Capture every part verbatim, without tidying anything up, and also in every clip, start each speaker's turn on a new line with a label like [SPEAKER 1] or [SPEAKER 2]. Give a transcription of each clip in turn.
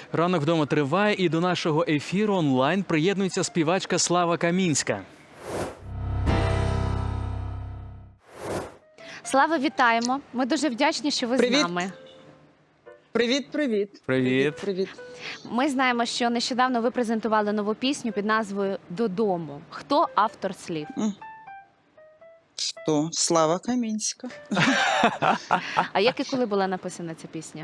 [SPEAKER 1] Ранок вдома триває, і до нашого ефіру онлайн приєднується співачка Слава Камінська.
[SPEAKER 2] Слава, вітаємо. Ми дуже вдячні, що ви
[SPEAKER 3] Привіт.
[SPEAKER 2] з нами.
[SPEAKER 3] Привіт, привіт.
[SPEAKER 1] Привіт.
[SPEAKER 3] Привіт.
[SPEAKER 2] Ми знаємо, що нещодавно ви презентували нову пісню під назвою «Додому». Хто автор слів?
[SPEAKER 3] Хто? Слава Камінська.
[SPEAKER 2] А як і коли була написана ця пісня?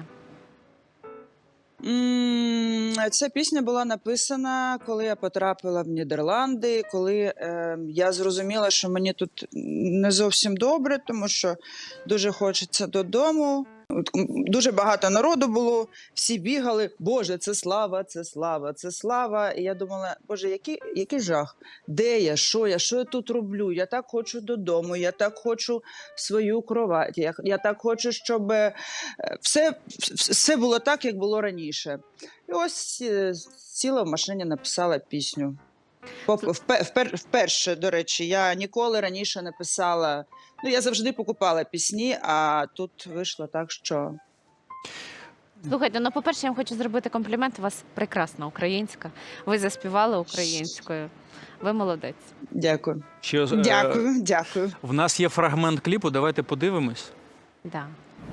[SPEAKER 3] М, Ця пісня була написана, коли я потрапила в Нідерланди, коли е, я зрозуміла, що мені тут не зовсім добре, тому що дуже хочеться додому. От, м, Дуже багато народу було, всі бігали, Боже, це слава, це слава, це слава. І я думала, Боже, який, який жах? Де я, що я, що я тут роблю? Я так хочу додому, я так хочу свою кровать, я, я так хочу, щоб е, все, все було так, як було раніше. І ось е, сіла в машині, написала пісню. Поп- впе- впер- Вперше, до речі, я ніколи раніше не писала. Ну, я завжди покупала пісні, а тут вийшло так, що
[SPEAKER 2] Слухайте, ну, по-перше, я вам хочу зробити комплімент. У вас прекрасна українська. Ви заспівали українською. Ви молодець.
[SPEAKER 3] дякую.
[SPEAKER 1] Що, е,
[SPEAKER 3] Дякую, дякую.
[SPEAKER 1] В нас є фрагмент кліпу, давайте подивимось.
[SPEAKER 2] Да.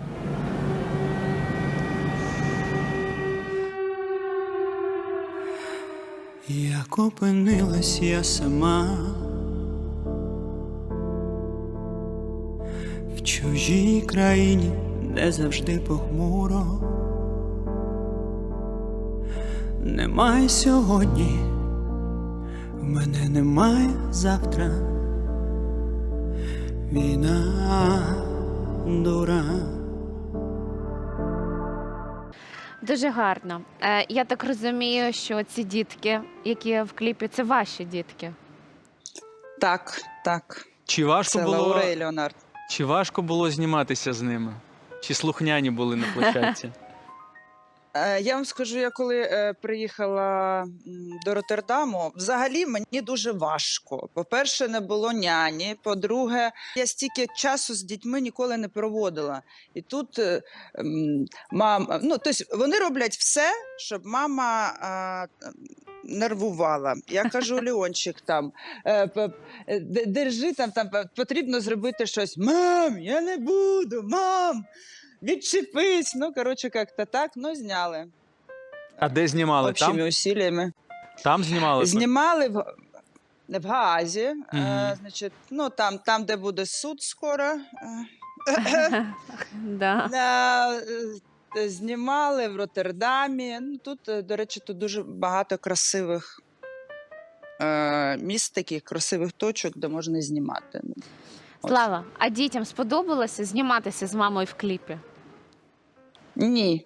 [SPEAKER 4] Як опинилась я сама в чужій країні, де завжди похмуро, немає сьогодні, в мене немає завтра, війна дура.
[SPEAKER 2] Дуже гарно. Е, я так розумію, що ці дітки, які в кліпі, це ваші дітки.
[SPEAKER 3] Так, так.
[SPEAKER 1] Чи важко
[SPEAKER 3] Це
[SPEAKER 1] було,
[SPEAKER 3] Лаура і Леонард.
[SPEAKER 1] чи важко було зніматися з ними? Чи слухняні були на площадці?
[SPEAKER 3] Е, Я вам скажу, я коли е, приїхала м, до Роттердаму, взагалі мені дуже важко. По-перше, не було няні. По-друге, я стільки часу з дітьми ніколи не проводила. І тут е, м, мама, ну, тобто вони роблять все, щоб мама а, нервувала. Я кажу, Леончик, там, е, п- е, д- держи, там, там п- потрібно зробити щось. Мам, я не буду, мам! Відчепись. Ну, коротше, як-то так, ну, зняли.
[SPEAKER 1] А де знімали?
[SPEAKER 3] Общими
[SPEAKER 1] Там?
[SPEAKER 3] усилиями.
[SPEAKER 1] Там знімали?
[SPEAKER 3] Знімали в, в Гаазі, е,
[SPEAKER 1] Мгм.
[SPEAKER 3] значить, ну, там, там, де буде суд скоро. Е,
[SPEAKER 2] Да.
[SPEAKER 3] е, знімали в Роттердамі. Ну, тут, е, до речі, тут дуже багато красивих е, міст, таких красивих точок, де можна знімати. Ну, от.
[SPEAKER 2] Слава, а дітям сподобалося зніматися з мамою в кліпі?
[SPEAKER 3] Ні.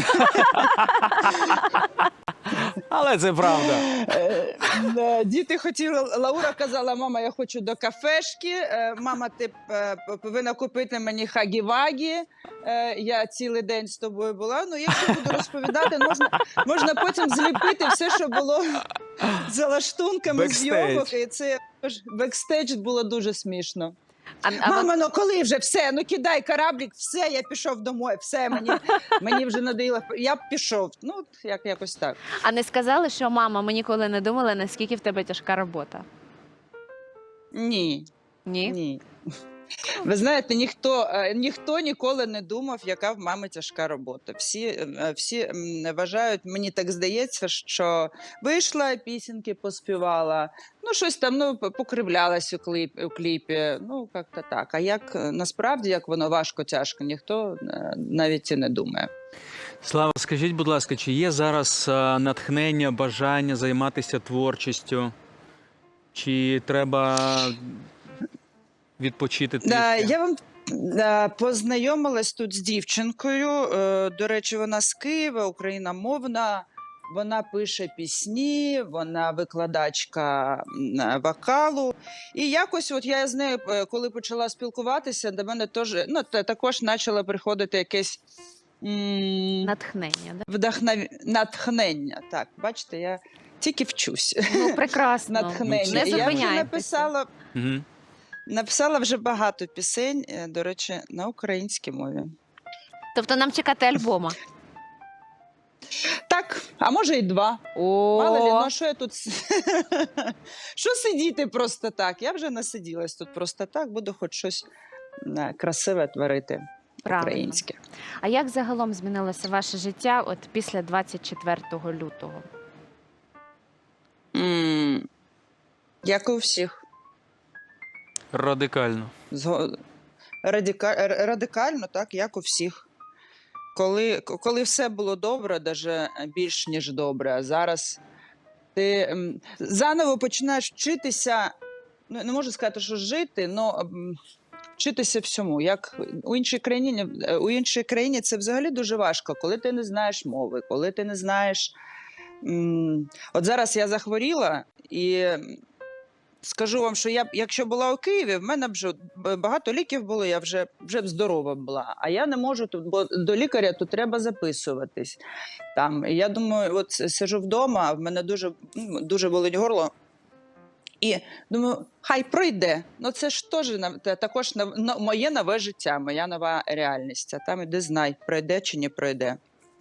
[SPEAKER 1] Але це правда.
[SPEAKER 3] Е, е, Діти хотіли, Лаура казала, мама, я хочу до кафешки, е, мама, ти е, повинна купити мені хагі-вагі, Е, я цілий день з тобою була. Ну, якщо буду розповідати, можна, можна потім зліпити все, що було за лаштунками
[SPEAKER 1] Бекстейдж.
[SPEAKER 3] зйомок, і це ж бекстейдж було дуже смішно.
[SPEAKER 2] А, а ви-
[SPEAKER 3] Мама, ну коли вже все, ну кидай кораблік, все, я пішов домой, все, мені, мені вже надоїло, я б пішов. Ну, от як, якось так.
[SPEAKER 2] а не сказали, що мама, ми ніколи не думали, наскільки в тебе тяжка робота?
[SPEAKER 3] Ні.
[SPEAKER 2] Ні?
[SPEAKER 3] Ні. Ви знаєте, ніхто, е, ніхто ніколи не думав, яка в мами тяжка робота. Всі, е, всі м, вважають, мені так здається, що вийшла, пісеньки поспівала, ну щось там ну, п- покривлялась у, кліп, у кліпі, ну як-то так. А як е, насправді, як воно важко-тяжко, ніхто е, навіть і не думає.
[SPEAKER 1] Слава, скажіть, будь ласка, чи є зараз е, натхнення, бажання займатися творчістю? Чи треба відпочити трішки?
[SPEAKER 3] Да, я вам да, познайомилась тут з дівчинкою. Е, До речі, вона з Києва, україномовна. Вона пише пісні, вона викладачка м, вокалу. І якось, от я з нею, е, коли почала спілкуватися, до мене теж ну, та- також почало приходити якесь м,
[SPEAKER 2] Натхнення, да?
[SPEAKER 3] вдохнов... натхнення. Так, бачите, я тільки вчусь.
[SPEAKER 2] Ну, прекрасно.
[SPEAKER 3] Натхнення.
[SPEAKER 2] Не
[SPEAKER 3] І я вже
[SPEAKER 2] зупиняйтеся.
[SPEAKER 3] написала.
[SPEAKER 1] Мгм.
[SPEAKER 3] Написала вже багато пісень, е, до речі, на українській мові.
[SPEAKER 2] Тобто нам чекати альбома.
[SPEAKER 3] Так, Так, а може і два.
[SPEAKER 2] О,
[SPEAKER 3] Мало лі, ну що я тут... с- Що сидіти просто так? Я вже насиділась тут просто так, буду хоч щось е, красиве творити
[SPEAKER 2] правильно.
[SPEAKER 3] українське.
[SPEAKER 2] А як загалом змінилося ваше життя от після двадцять четвертого лютого?
[SPEAKER 3] М, Як і у всіх.
[SPEAKER 1] Радикально.
[SPEAKER 3] Зго- Радика... р- Радикально, так, як у всіх. Коли, к- коли все було добре, навіть більш ніж добре, а зараз ти м, заново починаєш вчитися, ну не можу сказати, що жити, але вчитися всьому. Як у іншій країні, е, у іншій країні це взагалі дуже важко, коли ти не знаєш мови, коли ти не знаєш. м, От зараз я захворіла і. Скажу вам, що я б, якщо була у Києві, в мене б вже б- багато ліків було, я вже, вже б здорова була. А я не можу тут, бо до лікаря тут треба записуватись. Там. І я думаю, от с- сиджу вдома, а в мене дуже, м, дуже болить горло. І думаю, хай пройде. Ну це ж теж на- та- також нов- но- моє нове життя, моя нова реальність. А там іди знай, пройде чи не пройде.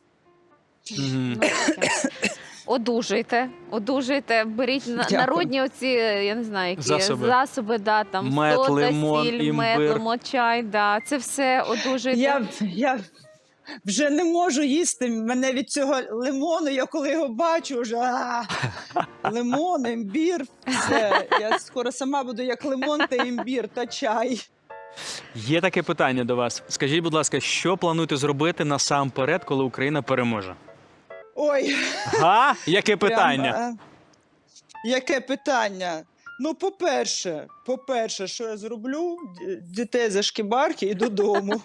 [SPEAKER 1] Мгм.
[SPEAKER 2] Ну, таке. Одужуйте, одужуйте, беріть на-
[SPEAKER 3] Дякую.
[SPEAKER 2] народні оці, я не знаю, які
[SPEAKER 1] Засоби.
[SPEAKER 2] засоби, да, там
[SPEAKER 1] Мед,
[SPEAKER 2] сода,
[SPEAKER 1] лимон,
[SPEAKER 2] сіль, мед,
[SPEAKER 1] імбир.
[SPEAKER 2] лимон, чай, да, це все одужуйте.
[SPEAKER 3] Я, я вже не можу їсти. Мене від цього лимону, я коли його бачу, вже а, лимон, імбір. Все. Я скоро сама буду як лимон та імбір та чай.
[SPEAKER 1] Є таке питання до вас. Скажіть, будь ласка, що плануєте зробити насамперед, коли Україна переможе?
[SPEAKER 3] Ой,
[SPEAKER 1] Га? Яке питання?
[SPEAKER 3] прям, е, яке питання? Ну, по-перше, по-перше, що я зроблю? Д- Дітей за шкібарки і додому.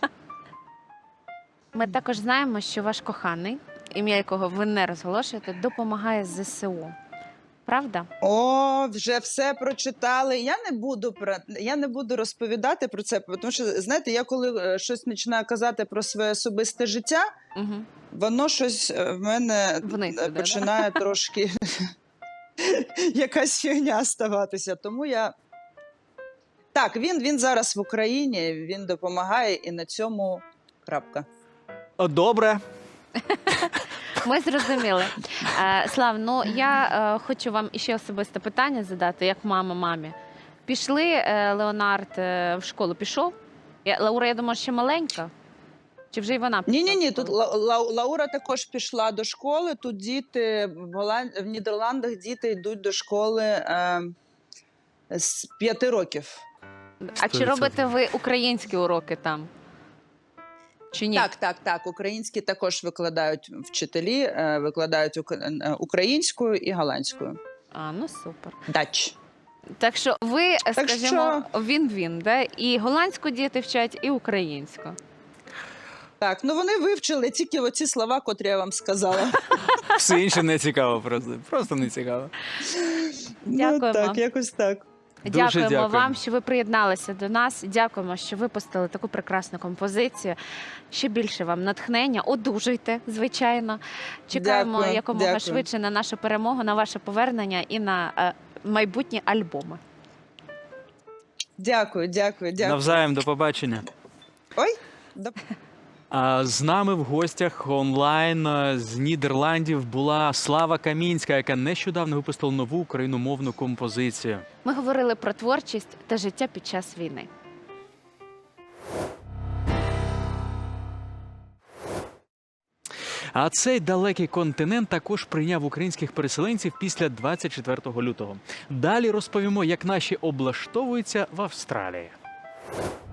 [SPEAKER 2] Ми також знаємо, що ваш коханий, ім'я якого ви не розголошуєте, допомагає зе се у. Правда?
[SPEAKER 3] О, вже все прочитали. Я не буду про я не буду розповідати про це, тому що знаєте, я коли е, щось починаю казати про своє особисте життя,
[SPEAKER 2] Угу.
[SPEAKER 3] воно щось е, в мене
[SPEAKER 2] Вниз
[SPEAKER 3] е,
[SPEAKER 2] іде,
[SPEAKER 3] починає трошки якась фігня ставатися. Тому я так, він, він зараз в Україні, він допомагає, і на цьому крапка.
[SPEAKER 1] О, добре.
[SPEAKER 2] Ми зрозуміли. Е, Слав, ну я е, хочу вам іще особисте питання задати, як мама мамі. Пішли, е, Леонард е, в школу пішов? Я, Лаура, я думаю, ще маленька. Чи вже й вона пішла?
[SPEAKER 3] Ні, ні, ні.
[SPEAKER 2] в
[SPEAKER 3] Тут
[SPEAKER 2] школу?
[SPEAKER 3] Ла- Ла- Лаура також пішла до школи. Тут діти в Голланд... в Нідерландах діти йдуть до школи е... з п'яти років.
[SPEAKER 2] А чи робите ви українські уроки там? Чи ні?
[SPEAKER 3] Так, так, так. Українські також викладають вчителі, е, викладають ук... е, українською і голландською.
[SPEAKER 2] А, ну супер.
[SPEAKER 3] Дач.
[SPEAKER 2] Так що ви,
[SPEAKER 3] Так
[SPEAKER 2] скажімо, він-він, да? І голландську діти вчать, і українську.
[SPEAKER 3] Так, ну вони вивчили тільки оці слова, котрі я вам сказала.
[SPEAKER 1] Все інше не цікаво просто. Просто не цікаво.
[SPEAKER 2] Дякуємо.
[SPEAKER 3] Ну, так, якось так.
[SPEAKER 1] Дуже
[SPEAKER 2] Дякуємо
[SPEAKER 1] дякуємо.
[SPEAKER 2] вам, що ви приєдналися до нас. Дякуємо, що випустили таку прекрасну композицію. Ще більше вам натхнення. Одужуйте, звичайно. Чекаємо
[SPEAKER 3] Дякую,
[SPEAKER 2] якомога
[SPEAKER 3] дякую.
[SPEAKER 2] швидше на нашу перемогу, на ваше повернення і на е, майбутні альбоми.
[SPEAKER 3] Дякую, дякую, дякую.
[SPEAKER 1] Навзаєм, до побачення.
[SPEAKER 3] Ой, до
[SPEAKER 1] А з нами в гостях онлайн е, з Нідерландів була Слава Камінська, яка нещодавно випустила нову україномовну композицію.
[SPEAKER 2] Ми говорили про творчість та життя під час війни.
[SPEAKER 1] А цей далекий континент також прийняв українських переселенців після двадцять четвертого лютого. Далі розповімо, як наші облаштовуються в Австралії.